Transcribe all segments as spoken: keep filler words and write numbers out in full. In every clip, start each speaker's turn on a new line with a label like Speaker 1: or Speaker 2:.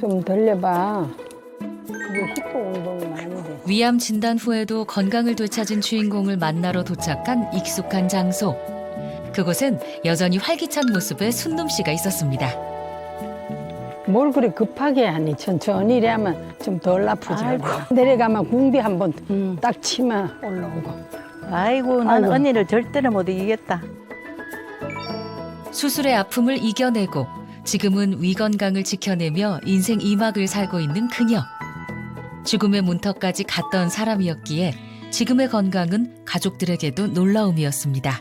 Speaker 1: 좀 돌려봐. 그게 힙도 운동이 많이 돼.
Speaker 2: 위암 진단 후에도 건강을 되찾은 주인공을 만나러 도착한 익숙한 장소. 그곳엔 여전히 활기찬 모습의 순놈 씨가 있었습니다.
Speaker 1: 뭘 그리 급하게 하니 천천히 이래야만 좀 덜 아프지.
Speaker 3: 아이고.
Speaker 1: 내려가면 궁디 한번
Speaker 3: 음.
Speaker 1: 딱 치면 올라오고.
Speaker 3: 아이고, 난
Speaker 1: 아이고.
Speaker 3: 언니를 절대로 못 이기겠다.
Speaker 2: 수술의 아픔을 이겨내고 지금은 위 건강을 지켜내며 인생 이 막을 살고 있는 그녀. 죽음의 문턱까지 갔던 사람이었기에 지금의 건강은 가족들에게도 놀라움이었습니다.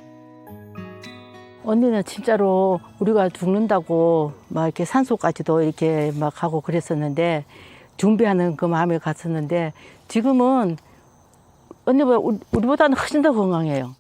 Speaker 3: 언니는 진짜로 우리가 죽는다고 막 이렇게 산소까지도 이렇게 막 하고 그랬었는데 준비하는 그 마음에 갔었는데 지금은 언니보다 우리- 우리보다는 훨씬 더 건강해요.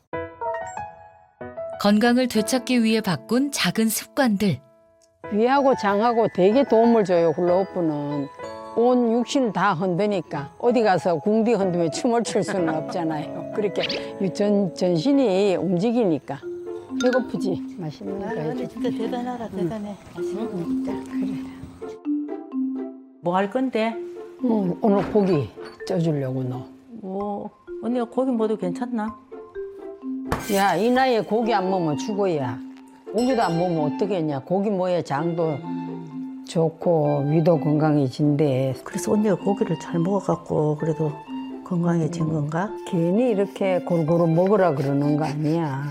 Speaker 2: 건강을 되찾기 위해 바꾼 작은 습관들.
Speaker 1: 위하고 장하고 되게 도움을 줘요, 훌라후프는. 온 육신 다 흔드니까 어디 가서 궁디 흔들며 춤을 출 수는 없잖아요. 그렇게 전, 전신이 움직이니까. 배고프지? 맛있는 거 해줘.
Speaker 3: 진짜 대단하다, 대단해. 맛있는 거 진짜. 그래. 뭐 할 건데?
Speaker 1: 응, 오늘 고기 쪄주려고 너.
Speaker 3: 뭐 언니가 고기 먹어도 괜찮나?
Speaker 1: 야, 이 나이에 고기 안 먹으면 죽어야. 고기도 안 먹으면 어떻게 했냐. 고기 먹어야 장도 좋고 위도 건강해진대.
Speaker 3: 그래서 언니가 고기를 잘 먹어갖고 그래도 건강해진 건가?
Speaker 1: 괜히 이렇게 골고루 먹으라 그러는 거 아니야.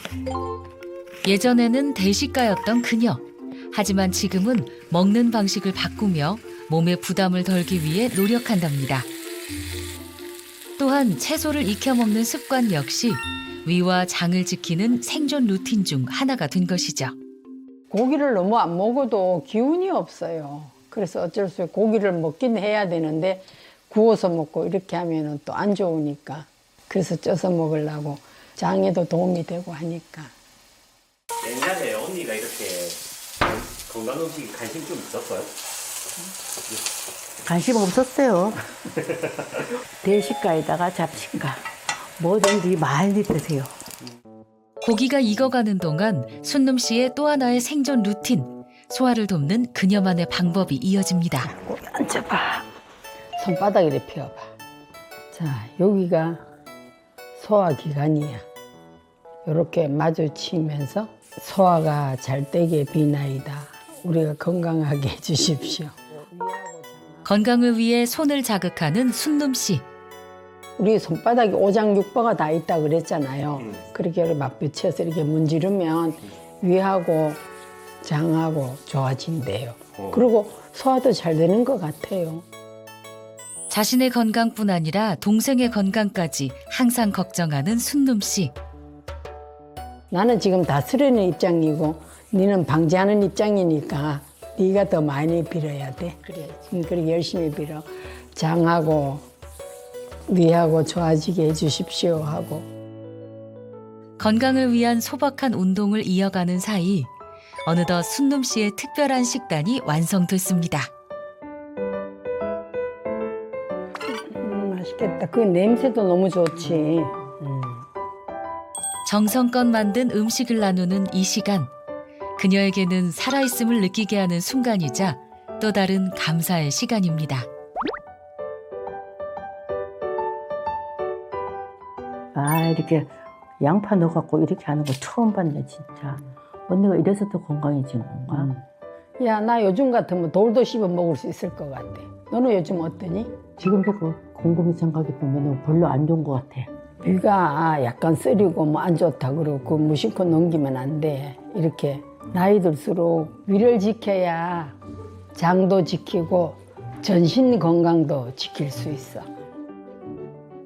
Speaker 2: 예전에는 대식가였던 그녀. 하지만 지금은 먹는 방식을 바꾸며 몸의 부담을 덜기 위해 노력한답니다. 또한 채소를 익혀 먹는 습관 역시 위와 장을 지키는 생존 루틴 중 하나가 된 것이죠.
Speaker 1: 고기를 너무 안 먹어도 기운이 없어요. 그래서 어쩔 수 없이 고기를 먹긴 해야 되는데 구워서 먹고 이렇게 하면 또 안 좋으니까. 그래서 쪄서 먹으려고 장에도 도움이 되고 하니까.
Speaker 4: 옛날에 언니가 이렇게 건강 음식에 관심 좀 있었어요?
Speaker 3: 관심 없었어요. 대식가에다가 잡식가 뭐든지 많이 드세요.
Speaker 2: 고기가 익어가는 동안 순놈 씨의 또 하나의 생존 루틴, 소화를 돕는 그녀만의 방법이 이어집니다.
Speaker 1: 고기 앉아봐. 손바닥 이렇게 펴봐. 자, 여기가 소화기관이야. 이렇게 마주치면서 소화가 잘 되게 비나이다. 우리가 건강하게 해주십시오.
Speaker 2: 건강을 위해 손을 자극하는 순놈 씨.
Speaker 1: 우리 손바닥에 오장육부가 다 있다 그랬잖아요.
Speaker 4: 음.
Speaker 1: 그렇게 맞붙여서 이렇게 문지르면 위하고 장하고 좋아진대요.
Speaker 4: 어.
Speaker 1: 그리고 소화도 잘 되는 것 같아요.
Speaker 2: 자신의 건강뿐 아니라 동생의 건강까지 항상 걱정하는 순놈 씨.
Speaker 1: 나는 지금 다스리는 입장이고 너는 방지하는 입장이니까 네가 더 많이 빌어야 돼. 그래. 그렇게 열심히 빌어. 장하고 위하고 좋아지게 해주십시오 하고.
Speaker 2: 건강을 위한 소박한 운동을 이어가는 사이 어느덧 순놈 씨의 특별한 식단이 완성됐습니다.
Speaker 1: 음, 맛있겠다. 그 냄새도 너무 좋지. 음.
Speaker 2: 정성껏 만든 음식을 나누는 이 시간. 그녀에게는 살아있음을 느끼게 하는 순간이자 또 다른 감사의 시간입니다.
Speaker 3: 아 이렇게 양파 넣어갖고 이렇게 하는 거 처음 봤네 진짜. 언니가 이래서 더 건강해진 건가?
Speaker 1: 음. 야, 나 요즘 같으면 돌도 씹어 먹을 수 있을 것 같아. 너는 요즘 어떠니?
Speaker 3: 지금도 그 곰곰이 생각해 보면 별로 안 좋은 것 같아.
Speaker 1: 위가 약간 쓰리고 뭐 안 좋다 그러고 그 무심코 넘기면 안 돼. 이렇게 나이 들수록 위를 지켜야 장도 지키고 전신 건강도 지킬 수 있어.